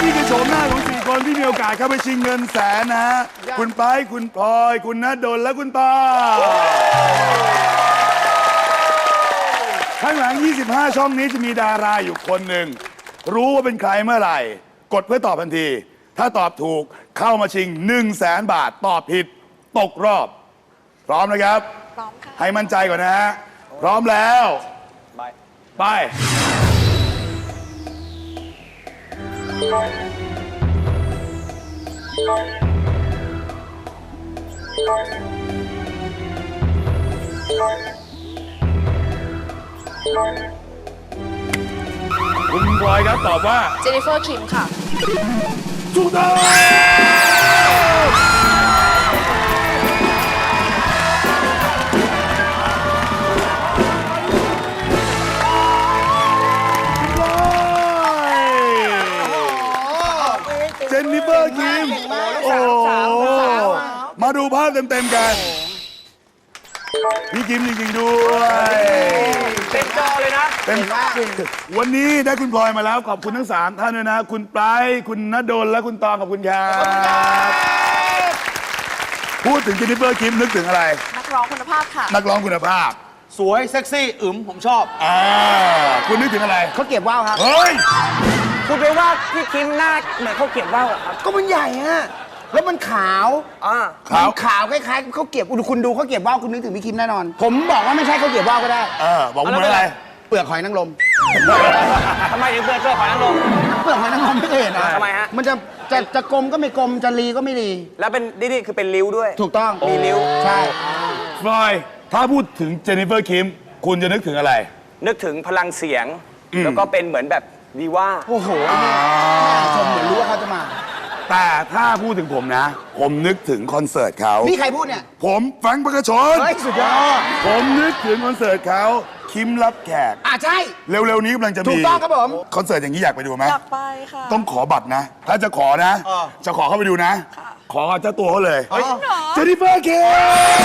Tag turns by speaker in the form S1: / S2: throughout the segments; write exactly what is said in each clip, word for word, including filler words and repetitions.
S1: นี่คือโฉมหน้าของสี่คนที่มีโอกาสเข้าไปชิงเงินแสนนะฮะคุณไปร์ทคุณพลอยคุณณดลและคุณต่อข้างหลังยี่สิบห้าช่องนี้จะมีดาราอยู่คนหนึ่งรู้ว่าเป็นใครเมื่อไหร่กดเพื่อตอบทันทีถ้าตอบถูกเข้ามาชิงหนึ่งแสนบาทตอบผิดตกรอบพร้อมนะครับพร้อมค่ะให้มั่นใจก่อนนะฮะพร้อมแล้วไปคุณพลอยครับตอบว่า
S2: เจนนิเฟอร์คิมค่ะ
S1: ถูกต้องเจนนิเฟอร์คิมโอ้มาดูภาพเต็มๆกันพี่คิมจริงๆด้วย
S3: เต็มจอเลยนะ
S1: เต็มวันนี้ได้คุณพลอยมาแล้วขอบคุณทั้งสามท่านด้วยนะคุณไปร์ทคุณณดลและคุณตองขอบคุณครับพูดถึงเจนนิเฟอร์คิมนึกถึงอะไร
S2: นักร้องคุณภาพค่ะ
S1: นักร้องคุณภาพ
S3: สวยเซ็กซี่อึ๋มผมชอบ
S1: อ่าคุณนึกถึงอะไร
S3: เขาเก็บว่าวครับ
S1: เฮ้ย
S3: คุณไปว่าพี่คิมหน้าเหมือนเขาเก็บว่าวครับ
S4: ก็มันใหญ่ฮะแล้วมันขาว
S3: อ่า
S1: ขาว
S4: ขาวคล้ายๆเขาเก็บคุณดูเขาเก็บว่าวคุณนึกถึงพี่คิมแน่นอนผมบอกว่าไม่ใช่เขาเก็บว่าวก็ได้
S1: เออบอกว่าอะไร
S4: เปลือกหอยนางรม
S3: ทำไมถึงเปลือกเปลือกหอยนางรม
S4: เปลือกหอยนางรมไม่เคยเห็นนะ
S3: ทำไมฮะ
S4: มันจะจะจะกลมก็ไม่กลมจะรีก็ไม่รี
S3: แล้วเป็นนี่คือเป็นริ้วด้วย
S4: ถูกต้อง
S3: มีริ้ว
S4: ใช่
S1: ฟลอยถ้าพูดถึงเจนนิเฟอร์คิมคุณจะนึกถึงอะไร
S3: นึกถึงพลังเสียงแล้วก็เป็นเหมือนแบบดีว่า
S4: โอ้โหชมเหมือนรู้ว่าเขาจะมา
S1: แต่ถ้าพูดถึงผมนะผมนึกถึงคอนเสิร์ตเขา
S4: นี่ใครพูดเนี่ย
S1: ผมแฟรงค์ประกชน
S4: เฮ้ยสุดยอด
S1: ผมนึกถึงคอนเสิร์ตเขาคิมรับแขก
S4: อ่ะใช่
S1: เร็วๆนี้กำลังจะมี
S4: ถูกต้องครับผม
S1: คอนเสิร์ตอย่างนี้อยากไปดูไหม
S2: อยากไปค่ะ
S1: ต้องขอบัตรนะถ้าจะขอนะจะขอเข้าไปดูนะขอเจ้าตัวเขาเลยเจนนิเฟอร์คิม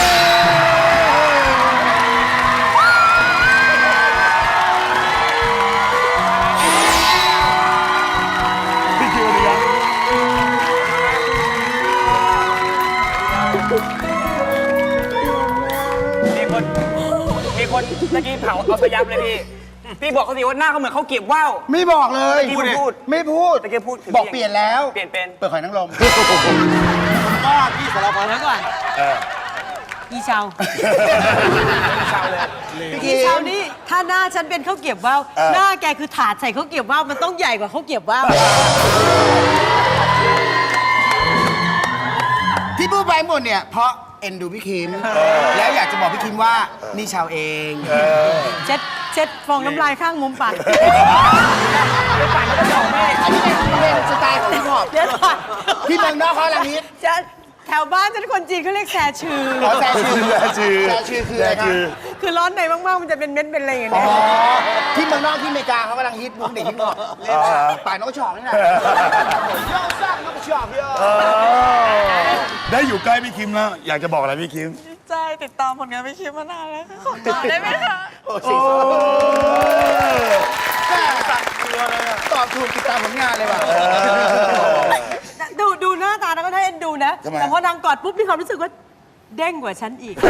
S3: มีคนมีคนตะกี้เผาเอาสยับเลยพี่พี่บอกเขาสิว่าหน้าเขาเหมือนเขาเก็บว่าว
S4: ไม่บอกเลย
S3: พูดพูด
S4: ไม่พูด
S3: ตะกี้พูด
S4: บอกเปลี่ยนแล้ว
S3: เปลี่ยนเป็น
S4: เปลือกหอยนางรม
S3: ก็พี่สารพัดแล้วก่อน
S5: อีเชา
S3: อีเชาเลย
S5: อีเชานี่ถ้าหน้าฉันเป็นข้าวเก็บว่าวหน้าแกคือถาดใส่ข้าวเก็บว่าวมันต้องใหญ่กว่าข้าวเก็บว่าว
S4: ที่พูดไปหมดเนี่ยเพราะเอ็นดูพี่คิมแล้วอยากจะบอกพี่คิมว่านี่ชาวเอง
S5: เช็ดเช็ดฟองน้ำลายข้างมุมปาก
S3: ไม่ปากไม่ต้องบอกแม่
S4: อันนี้เป็นสไตล์ของพี่พอ
S5: เดี๋ยวก่อน
S4: ที่เมืองนอกเขาอะไรนี้
S5: แถวบ้านฉันคนจีนเขาเรียกแซ่ชื่อ
S4: แซ่ชื่อ
S1: แซ่ชื่อ
S4: แซ่ชื่อคืออะไรครับ
S5: คือร้อนในมากๆมันจะเป็นเม็ดเป็นอะไรอย่างเงี้ย
S4: ที่เมืองนอกที่อเมริกาเขากำลังฮิตมุกเด็กฮิตหมดป่ายนกชอกนี่แหละยอดสร้างนกชอกเยอะ
S1: ได้อยู่ใกล้พี่คิมแล้วอยากจะบอกอะไรพี่คิม
S2: ดีใจติดตามผลงานพี่คิมมานานแล้วขอตอบได้ไหมคะ
S4: โอ้โหตอบถูกติดตามผลงานเลยว่ะ
S5: ดูดูหน้าตาแล้วก็ได้เอ็นดูนะแต่พอนางกอดปุ๊บมีความรู้สึกว่าเด้งกว่าฉันอีก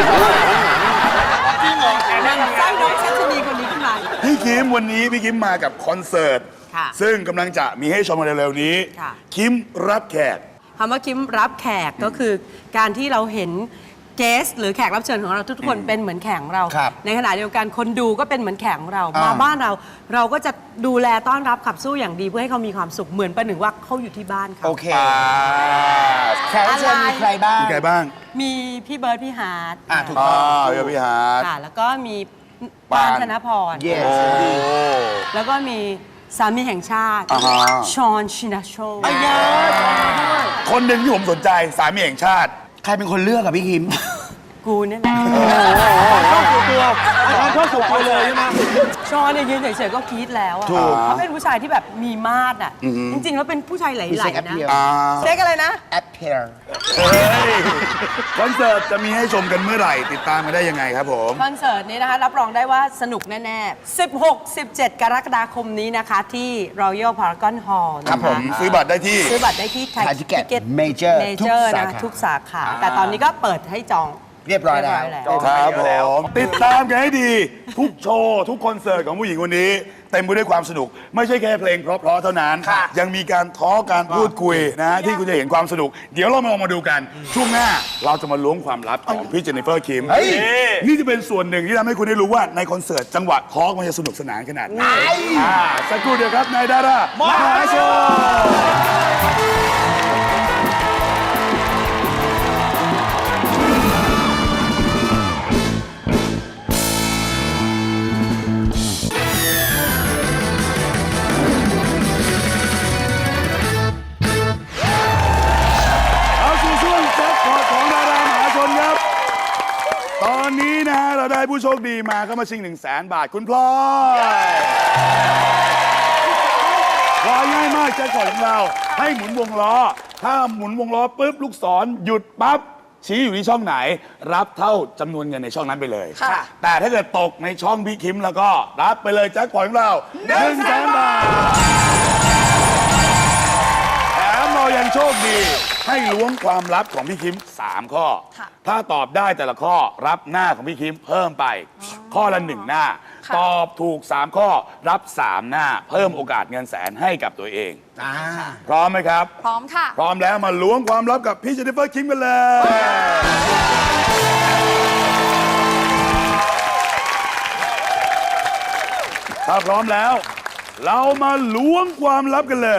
S4: จริงเหรอ
S5: สร้างน้องชัชนีคนนี้ขึ้นมา
S1: พี่คิมวันนี้พี่คิมมากับคอนเสิร์ตซึ่งกำลังจะมีให้ชมกันเร็วๆนี้คิมรับแขก
S5: คำว่าคิมรับแขกก็คือการที่เราเห็นเกสหรือแขกรับเชิญของเราทุกคนเป็นเหมือนแขกของเราในขณะเดียวกันคนดูก็เป็นเหมือนแขกของเรามาบ้านเราเราก็จะดูแลต้อนรับขับสู้อย่างดีเพื่อให้เขามีความสุขเหมือนประหนึ่งว่าเขาอยู่ที่บ้านเขา
S4: โอเคแขกรับเชิญมีใครบ้าง
S1: มีใครบ้าง
S5: มีพี่เบิร์ดพี่ฮาร์ด
S4: อ่าถูกต้อง
S1: พี่เบิร์ดพี่ฮาร์ด
S5: ค่ะแล้วก็มีปานธนพรแล้วก็มีสามีแห่งชาติชอนชินาโช
S1: คนหนึ่งที่ผมสนใจสามีแห่งชาติ
S4: ใครเป็นคนเลือกกับพี่คิม
S5: กูเนี่ยแหละ
S3: ชอบสุดตัวชอบสุดตัวเลยใช่ไหม
S5: ชอนเนี่ยยืนเฉยๆก็กรี๊ดแล้วอะเขาเป็นผู้ชายที่แบบมีมาดอ่ะ จริงๆแล้วเป็นผู้ชายไหลๆนะ
S1: อ่า
S5: เซ็กอะไรนะ
S4: แอปเปิล
S1: เฮ้ยคอนเสิร์ตจะมีให้ชมกันเมื่อไหร่ติดตามกันได้ยังไงครับผม
S5: คอนเสิร์ตนี้นะคะรับรองได้ว่าสนุกแน่ๆ สิบหก สิบเจ็ด กรกฎาคมนี้นะคะที่ Royal Paragon Hall
S1: ครั
S5: นะ
S1: บผม
S5: คะ
S1: ซื้อบัตรได้ที่
S5: ซื้อบัตรได้ที่
S4: Thai Ticket Major ทุก
S5: Major
S4: สา
S5: นะ
S4: ขา
S5: ทุกสาขา แต่ตอนนี้ก็เปิดให้จอง
S4: เรียบร้อยแล้ว
S1: ครับผมติดตามกันให้ดี ทุกโชว์ ทุกคอนเสิร์ตของผู้หญิงคนนี้ เต็มไปด้วยความสนุก ไม่ใช่แค่เพลงเพราะๆเท่านั้น ยังมีการท้อการพูดคุยนะฮะที่คุณจะเห็นความสนุก เดี๋ยวเรามาลองมาดูกัน ช่วงหน้าเราจะมาล้วงความลับของพี่เจนนิเฟอร์คิม
S4: เฮ้ย
S1: นี่จะเป็นส่วนหนึ่งที่ทำให้คุณได้รู้ว่าในคอนเสิร์ตจังหวะท้อมันจะสนุกสนานขนาดไหนอ่าสักครู่เดียวครับนายดารามหาชน เอาสู่ช่วงแจ็คพอตของดารามหาชนครับ ตอนนี้นะฮะเราได้ผู้โชคดีมาเข้ามาชิง1 0 0 0 0แสนบาทคุณพลอยพลอยง่ายมากแจ็คพอตของเราให้หมุนวงล้อ ถ้าหมุนวงล้อปุ๊บลูกศรหยุดปั๊บชี้อยู่ที่ช่องไหน รับเท่าจำนวนเงินในช่องนั้นไปเลย
S2: ค่ะ
S1: แต่ถ้าเกิดตกในช่องพี่คิมแล้วก็รับไปเลยแจ็คพอตของเรา1 0 0 0 0แสนบาท แถมเรายังโชคดีให้ล้วงความลับของพี่คิม สาม ข้อ
S2: ค่ะ
S1: ถ้าตอบได้แต่ละข้อรับหน้าของพี่คิมเพิ่มไป ข้อละหนึ่งหน้า
S2: ค่ะ
S1: ตอบถูก สาม ข้อรับ สาม หน้า เพิ่มโอกาสเงินแสนให้กับตัวเอง
S4: อ่า
S1: พร้อมไหมครับ
S2: พร้อมค่ะ
S1: พร้อมแล้วมาล้วงความลับกับพี่เจนนิเฟอร์คิมกันเลย ถ้าพร้อมแล้ว เรามาล้วงความลับกันเลย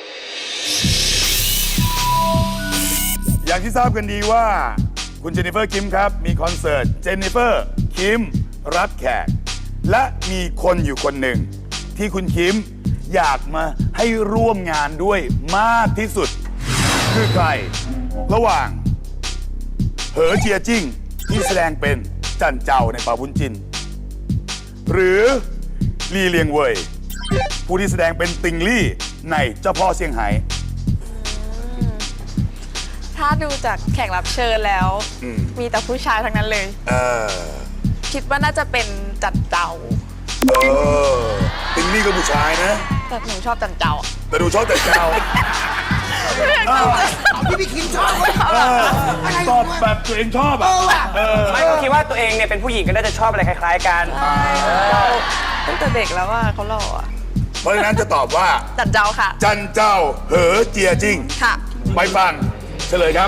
S1: อย่างที่ทราบกันดีว่า คุณเจนนิเฟอร์คิมครับ มีคอนเสิร์ตเจนนิเฟอร์คิมรับแขก และมีคนอยู่คนหนึ่ง ที่คุณคิมอยากมาให้ร่วมงานด้วยมากที่สุด คือใคร ระหว่าง เหอเจียจิ้งที่แสดงเป็นจันเจ้าในป่าบุญจิน หรือลีเลียงเว่ยผู้ที่แสดงเป็นติงลี่ในเจ้าพ่อเซี่ยงไฮ้
S2: ถ้าดูจากแขกรับเชิญแล้ว
S1: อืม
S2: มีแต่ผู้ชายทั้งนั้นเลย
S1: เออ
S2: คิดว่าน่าจะเป็นจันเจ้า
S1: เออติงลี่ก็ผู้ชายนะ
S2: แต่หนูชอบจันเจ้าอะ
S1: แต่ดูชอบจันเจ้า
S4: พี่พี่คิมชอบเว้ย
S1: เออตอบแบบตัวเองชอบอ่ะเออ
S3: ไม่ก็คิดว่าตัวเองเนี่ยเป็นผู้หญิงก็น่าจะชอบอะไรคล้ายๆกัน
S2: ตั้งแต่เด็กแล้วว่าเขาหล่ออะ
S1: เพราะฉะนั้นจะตอบว่า
S2: จันเจ้าค่ะ
S1: จันเจ้า เหอเจียจิ้ง
S2: ค่ะ
S1: ไปฟังเฉลยครับ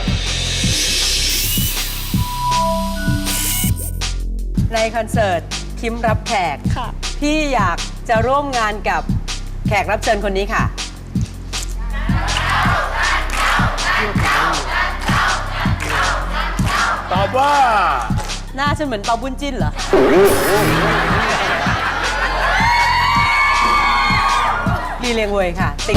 S5: ในคอนเสิร์ตคิมรับแขก
S2: ค่ะ
S5: พี่อยากจะร่วมงานกับแขกรับเชิญคนนี้ค่ะ
S1: ตอบว่า
S5: หน้าฉันเหมือนเปาบุญจิ้นเหรอ ลีเลียงเวยค่ะ ติด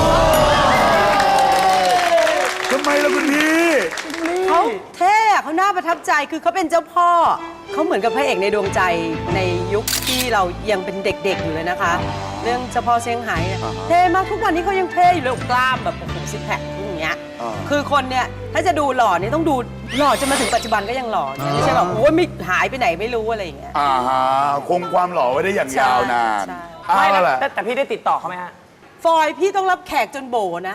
S1: ทำไมล่ะคุณพี่
S5: เขาเท่อะเขาน่าประทับใจคือเขาเป็นเจ้าพ่อ เขาเหมือนกับพระเอกในดวงใจในยุคที่เรายังเป็นเด็กๆอยู่เลยนะคะ เรื่องเจ้าพ่อเซี่ยงไฮ้อะเท่มากทุกวันนี้เขายังเท่อยู่เลยกล้ามแบบโอ้โหซิกแพคอย่างเงี้ย
S1: อ่า
S5: คือคนเนี่ยถ้าจะดูหล่อเนี่ยต้องดูหล่อจนมาถึงปัจจุบันก็ยังหล่อเนี่ยไม่ใช่แบบโอ้ยไม่หายไปไหนไม่รู้อะไรอย่างเงี้ย
S1: อ่าฮะคงความหล่อไว้ได้อย่างยาวนาน
S5: ใช่
S1: เอา
S3: ไม่
S1: ละ
S3: แต่แต่พี่ได้ติดต่อเขาไหมฮะ
S5: ฟอยพี่ต้องรับแขกจนโบนะ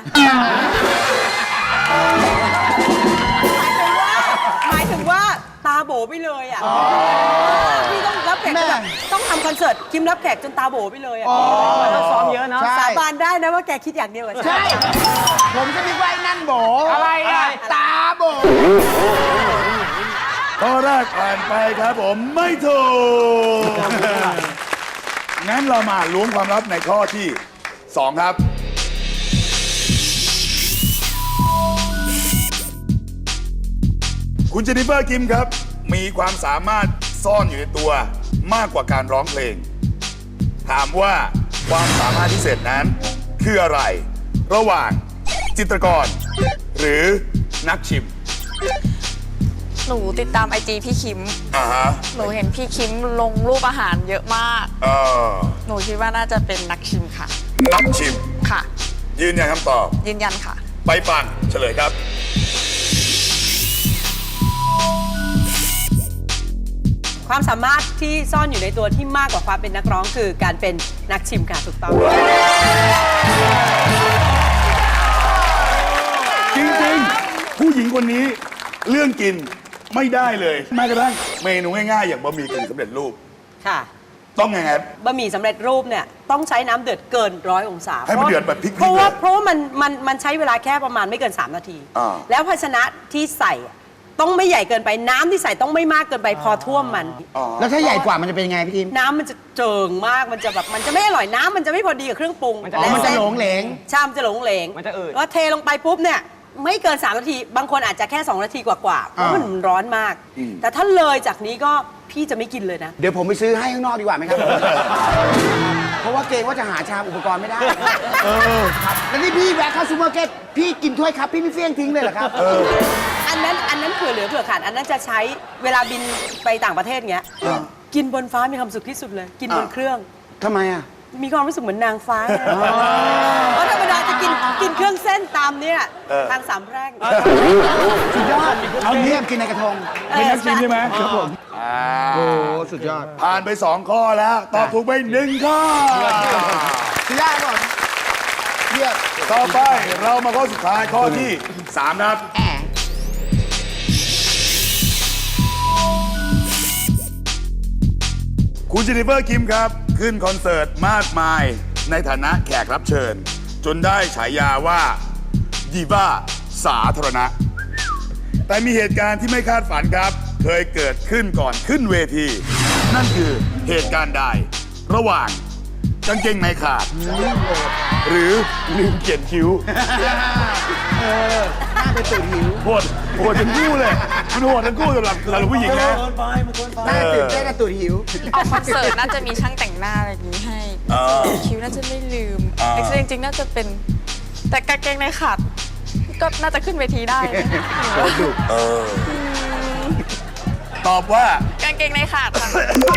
S5: หมายถึงว่าตาโบไปเลยอ่ะพี่ต้องรับแขกจนแบบต้องทำคอนเสิร์ตคิมรับแขกจนตาโบไปเลยอ่ะ
S3: เราซ้อมเยอะเนาะ
S4: ใช่
S5: สาบานได้นะว่าแกคิดอย่างเดียวกับฉัน
S4: ใช่ ผมก็นึกว่าไอ้นั่นโบ
S3: อะไรอ่ะ
S4: ตาโบ
S1: ข้อแรกผ่านไปครับผมไม่ถูก งั้นเรามาล้วงความลับในข้อที่สองครับ คุณเจนนิเฟอร์คิมครับ มีความสามารถซ่อนอยู่ในตัวมากกว่าการร้องเพลง ถามว่าความสามารถพิเศษนั้นคืออะไร ระหว่างจิตรกร หรือนักชิม
S2: หนูติดตามไอจีพี่คิม
S1: อ่าฮะ
S2: หนูเห็นพี่คิมลงรูปอาหารเยอะมาก
S1: เออ
S2: หนูคิดว่าน่าจะเป็นนักชิมค่ะ
S1: นักชิม
S2: ค่ะ
S1: ยืนยันคำตอบ
S2: ยืนยันค่ะ
S1: ไปฟังเฉลยครับ
S5: ความสามารถที่ซ่อนอยู่ในตัวที่มากกว่าความเป็นนักร้องคือการเป็นนักชิมค่ะถูกต้อง
S1: จริงๆ ผู้หญิงคนนี้เรื่องกินไม่ได้เลยแม้กระทั่งเมนูง่ายๆ อย่างบะหมี่กึ่งสำเร็จรูป
S5: ค่ะ
S1: ต้องไงครับ
S5: บะหมี่สำเร็จรูปเนี่ยต้องใช้น้ำเดือดเกินร้อยองศา
S1: ให้มันเดือดแบบพริกๆ
S5: เพราะว่า
S1: เลย
S5: เพราะว่ามันมันมันใช้เวลาแค่ประมาณไม่เกิน สาม นาที
S1: อ่า
S5: แล้วภาชนะที่ใส่อะต้องไม่ใหญ่เกินไปน้ำที่ใส่ต้องไม่มากเกินไปพอท่วมมัน
S4: แล้วถ้าใหญ่กว่ามันจะเป็นยังไงพี่ทิม
S5: น้ำมันจะเจิงมากมันจะแบบมันจะไม่อร่อยน้ำมันจะไม่พอดีกับเครื่องปรุง
S3: มันจะ
S4: อ๋อมันจะ
S5: ส้
S4: หลงเหลง
S5: ชามนจะหลงเหลง
S3: มันจะอืด
S5: ว่าเทลงไปปุ๊บเนี่ยไม่เกิน สาม นาที บางคนอาจจะแค่ สอง นาทีกว่าๆเพราะมันร้อนมาก แต่ถ้าเลยจากนี้ก็พี่จะไม่กินเลยนะ
S4: เดี๋ยวผมไปซื้อให้ข้างนอกดีกว่าไหมครับ เพราะว่าเกรงว่าจะหาชามอุปกรณ์ไม่ได้ครับแล้วนี่พี่แวะเข้าซูเปอร์มาร์เก็ตพี่กินถ้วยครับ พี่ไม่เฟี้ยงทิ้งเลยเหรอครับ
S5: อันนั้นอันนั้นเผื่อเหลือเผื่อขาดอันนั้นจะใช้เวลาบินไปต่างประเทศเงี้ยกินบนฟ้ามีความสุขที่สุดเลย กินบนเครื่อง
S4: ทำไมอ่ะ
S5: มีความรู้สึกเหมือนนางฟ้าเพราะธรรมดาจะกินกินเครื่องเส้นตามเนี่ยทางสามแพร่ง
S4: สุดยอด เอาเนี้ยกินในกระทง
S1: เป็นนักชิมใช่ไหม
S4: ครับผม โอ้สุดยอด
S1: ผ่านไปสองข้อแล้ว ตอบถูกไปหนึ่งข้อ
S4: สุดยอดก่อนเยี่ยม
S1: ต่อไปเรามาข้อสุดท้ายข้อที่สามนะครับ
S4: แอะ
S1: คุณเจนนิเฟอร์คิมครับ ขึ้นคอนเสิร์ตมากมายในฐานะแขกรับเชิญ จนได้ฉายาว่าดีว่าสาธารณะ แต่มีเหตุการณ์ที่ไม่คาดฝันครับ เคยเกิดขึ้นก่อนขึ้นเวที นั่นคือเหตุการณ์ใด ระหว่างกางเกงในขาด หรือลืมเขียนคิ้ว
S4: น่าเป็นตื่นหิว
S1: โหดโหดทั้งคู่เลยมันโหดทั้งคู่สำหรับสำหรับผู้หญิงนะ
S4: น่าตื่นเต้นน่าตื่นหิว
S2: ออกคอนเสิร์ตน่าจะมีช่างแต่งหน้าอะไรอย่างนี้ให้
S1: อ่า
S2: คิวน่าจะไม่ลืม
S1: อ่า
S2: แต่จริงๆน่าจะเป็น แต่กางเกงในขาดก็น่าจะขึ้นเวทีได้นะ
S1: เออตอบว่า
S2: กางเกงในขาดค่ะ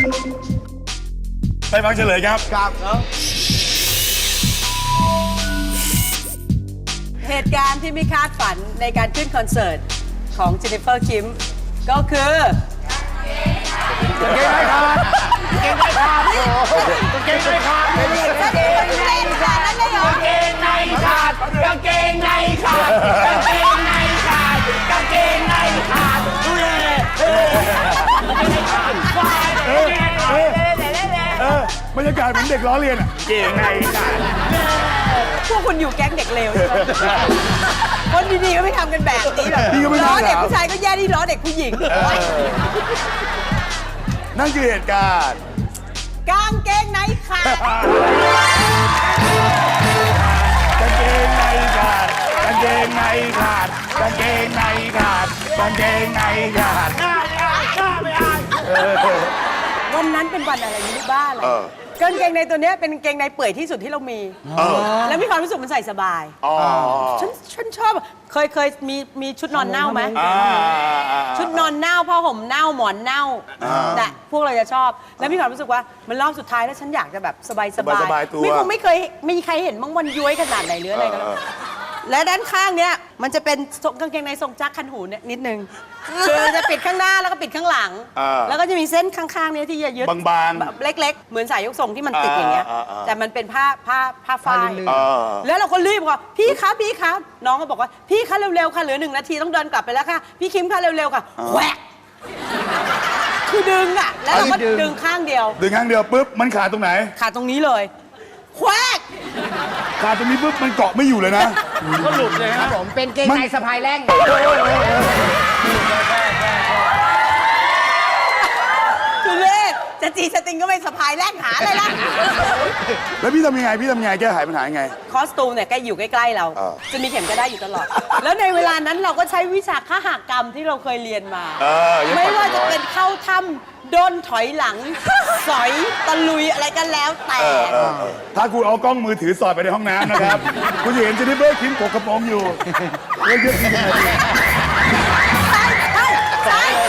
S1: ไปฟังเฉลยครับ
S4: ครับ
S5: เหตุการณ์ที่ไม่คาดฝันในการขึ้นคอนเสิร์ตของเจนนิเฟอร์คิมก็คือ
S4: เก่งไม่ขาดเก่งไม่ขาดโอ้เก่งไม่ขาด
S5: เล่นค่ะนั่นเลยเหรอ
S4: เก่งในขาดกางเกงในขาดกางเกงในขาดกางเกงในขาดดูเลย
S1: เออบรรยากาศเหมือนเด็กล้อเลียนอ่ะ
S3: เก่งไงกัน
S5: พวกคุณอยู่แก๊งเด็กเลวใช่ไหมคนดีๆก็ไม่ทำกันแบบนี้หรอก
S1: พี่ก็ไม่ทำ
S5: ล้อเด็ก
S1: ครับ
S5: ผู้ชายก็แย่ที่ล้อเด็กผู้หญิง
S1: นั่นคือเหตุการณ์
S5: กางเกงในขาด
S1: กางเกงในขาดกางเกงในขาดกางเกงในขาดกางเกงในขาด
S5: วันนั้นเป็นวันอะไรไม่รู้บ้าอะไร
S1: เออ
S5: กางเกงในตัวเนี้ยเป็นกางเกงในเปื่อยที่สุดที่เรามี
S1: เออ
S5: แล้วมีความรู้สึกมันใส่สบาย
S1: อ๋อ
S5: ฉันฉันชอบ เคยเคยมีมีชุดนอนเน่าไหม
S1: อ่า
S5: ชุดนอนเน่าผ้าห่มเน่าหมอนเน่า
S1: อ่า
S5: แต่พวกเราจะชอบ แล้วมีความรู้สึกว่ามันรอบสุดท้ายแล้วฉันอยากจะแบบสบายสบาย
S1: สบายๆตัว
S5: ไม่คงไม่เคยมีใครเห็นมั้งวันย้วยขนาดไหนหรืออะไรกัน
S1: เออ
S5: และด้านข้างเนี้ยมันจะเป็นทรงกางเกงในทรงจักรคันหูเนี่ยนิดนึงคือจะปิดข้างหน้าแล้วก็ปิดข้างหลัง
S1: อ่า
S5: แล้วก็จะมีเส้นข้างๆเนี้ยที่จะยึด
S1: บางๆ
S5: แบบเล็ก ๆ เหมือนสายยกทรงที่มันติดอย่างเงี้ย
S1: อ่าอ่าอ่า
S5: แต่มันเป็นผ้าผ้าผ้าฝ้าย
S1: เออ
S5: แล้วเราก็รีบบอกพี่ครับพี่ครับน้องก็บอกว่าพี่คะเร็วๆค่ะเหลือหนึ่งนาทีต้องเดินกลับไปแล้วค่ะพี่คิมคะเร็วๆค่ะแหวกคือดึงอ่ะแล้วเราก็
S4: อันนี้ดึง
S5: ดึงข้างเดียว
S1: ดึงครั้งเดียวปุ๊บมันขาดตรงไหน
S5: ขาดตรงนี้เลยแหวก
S1: ขาดตรงนี้ปุ๊บมันเกาะไม่อยู่เลยนะ
S3: ก็หลุดเลย
S4: ครั
S3: นะ
S4: บผมเป็นเกงในสะพายแรง
S5: คือเลขจะจีสติงก็ไม่สะพายแลกหาอะไรล่ะ
S1: แล้วพี่ทำยังไงพี่ทำยังไงแก้ไขปัญหายังไง
S5: คอสตูมเนี่ยใกล้อยู่ใกล้ๆเรา
S1: เออ
S5: จะมีเข็มก็ได้อยู่ตลอด แล้วในเวลานั้นเราก็ใช้วิชาคหกรรมที่เราเคยเรียนมา
S1: เออยัง
S5: ไม่
S1: ปล่อย
S5: ว่าจะ
S1: ร้อย
S5: เป็นเข้าถ้ำด้นถอยหลัง สอยตะลุยอะไรกันแล้วแต่
S1: เออเออเออถ้าคุณเอากล้องมือถือสอดไปในห้องน้ำนะครับ คุณจะเห็นเจนนิเฟอร์คิมกกกระโปรงอยู่เยอะๆจริงๆ
S5: ใช่ใช่ใช่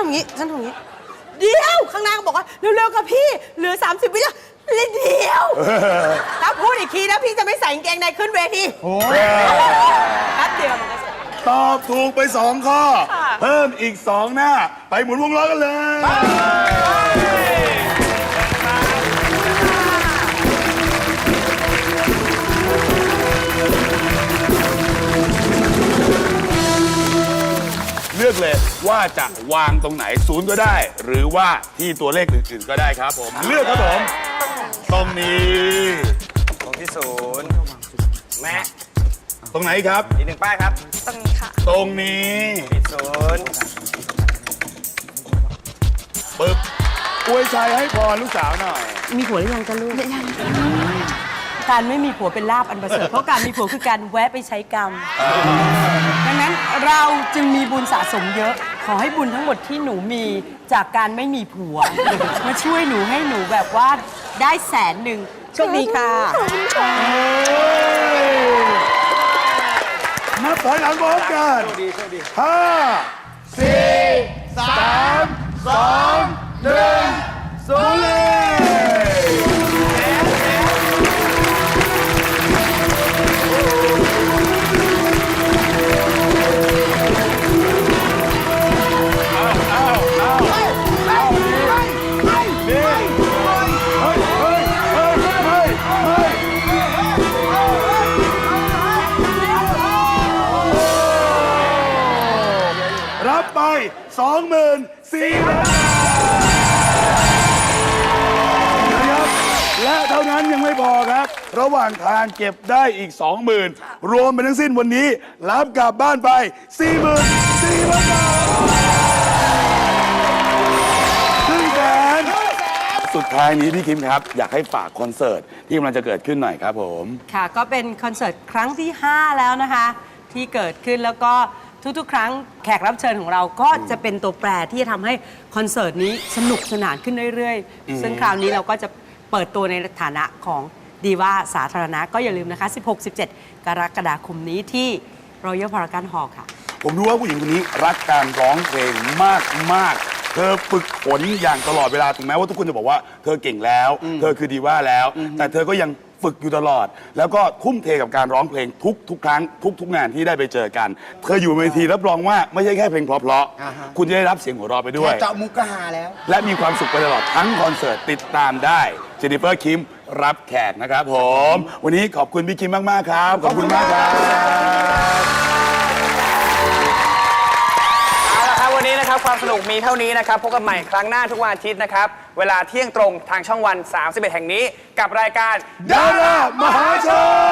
S5: ำอย่างนี้ฉันทำอย่างนี้เดี๋ยวข้างหน้าก็บอกว่าเร็วๆกับพี่เหลือสามสิบวิแล้วเล่นเดียวถ้าพูดอีกทีนะพี่จะไม่ใส่กางเกงในขึ้นเวทีโอ้ยแป๊บเดียวมันก็เสร็จ
S1: ตอบถูกไปสองข้อ เพิ่มอีกสองหน้า ไปหมุนวงล้อกันเลย เลือกเลยว่าจะวางตรงไหนศูนย์ก็ได้ หรือว่าที่ตัวเลขอื่นๆก็ได้ครับผม เลือกครับผม ตรงนี้
S3: ตรงที่ศูนย์แม่
S1: ตรงไหนครับ
S3: อีกหนึ่งป้ายครับ
S2: ตรงนี้ค่ะ
S1: ตรงนี้
S3: ปิดศูนย์
S1: ปึ๊บอวยชัยให้พรลูกสาวหน่อย
S5: มีผัวหรือยังจะลูกการไม่มีผัวเป็นลาบอันประเสริฐเพราะการมีผัวคือการแวะไปใช้กรรม ดังนั้นเราจึงมีบุญสะสมเยอะ ขอให้บุญทั้งหมดที่หนูมีจากการไม่มีผัว มาช่วยหนูให้หนูแบบว่าได้แสนหนึ่งโชคดีค่ะ
S1: นับถอยหลังพร้อมกันห้าสี่สามสองหนึ่งศูนย์เลยเอาเอาเอาเอานี่นี่เฮ้ยเฮ้ยเฮ้ยเฮ้ยเฮ้ย รับไป สองหมื่นสี่พัน บาทนะครับและเท่านั้นยังไม่พอครับ ระหว่างทางเก็บได้อีก สองหมื่น รวมเป็นทั้งสิ้นวันนี้ รับกลับบ้านไป สี่หมื่นสี่พัน บาทครึ่งแสนสุดท้ายนี้พี่คิมครับ อยากให้ฝากคอนเสิร์ตที่กำลังจะเกิดขึ้นหน่อยครับผม
S5: ค่ะก็เป็นคอนเสิร์ตครั้งที่ ห้า แล้วนะคะ ที่เกิดขึ้นแล้วก็ทุกๆ ครั้งแขกรับเชิญของเราก็จะเป็นตัวแปรที่จะทำให้คอนเสิร์ตนี้สนุกสนานขึ้นเรื่อยๆ ซึ่งคราวนี้เราก็จะเปิดตัวในฐานะของดีว่าสาธารณะก็อย่าลืมนะคะ สิบหก สิบเจ็ด กรกฎาคมนี้ที่ Royal Paragon Hall ค่ะ
S1: ผมรู้ว่าผู้หญิงคนนี้รักการร้องเพลงมากมากๆเธอฝึกฝนอย่างตลอดเวลาถึงแม้ว่าทุกคนจะบอกว่าเธอเก่งแล้ว เธอคือดีว่าแล้ว แต่เธอก็ยังฝึกอยู่ตลอด แล้วก็ทุ่มเทกับการร้องเพลงทุกทุกครั้งทุกทุกงานที่ได้ไปเจอกัน เธออยู่บนเวทีรับรองว่าไม่ใช่แค่เพลงเพราะๆคุณจะได้รับเสียงหัวเราะไปด้วย
S4: แค่เจาะมุกก็หาแล้ว
S1: และมีความสุขไปตลอดทั้งคอนเสิร์ตติดตามได้เจนนิเฟอร์คิมรับแขกนะครับผม วันนี้ขอบคุณพี่คิมมากๆครับขอบคุณมากครับ
S3: เอาละครับวันนี้นะครับความสนุกมีเท่านี้นะครับพบกันใหม่ครั้งหน้าทุกวันอาทิตย์นะครับเวลาเที่ยงตรงทางช่องวัน สามสิบเอ็ด แห่งนี้กับรายการ
S1: ดารามหาชน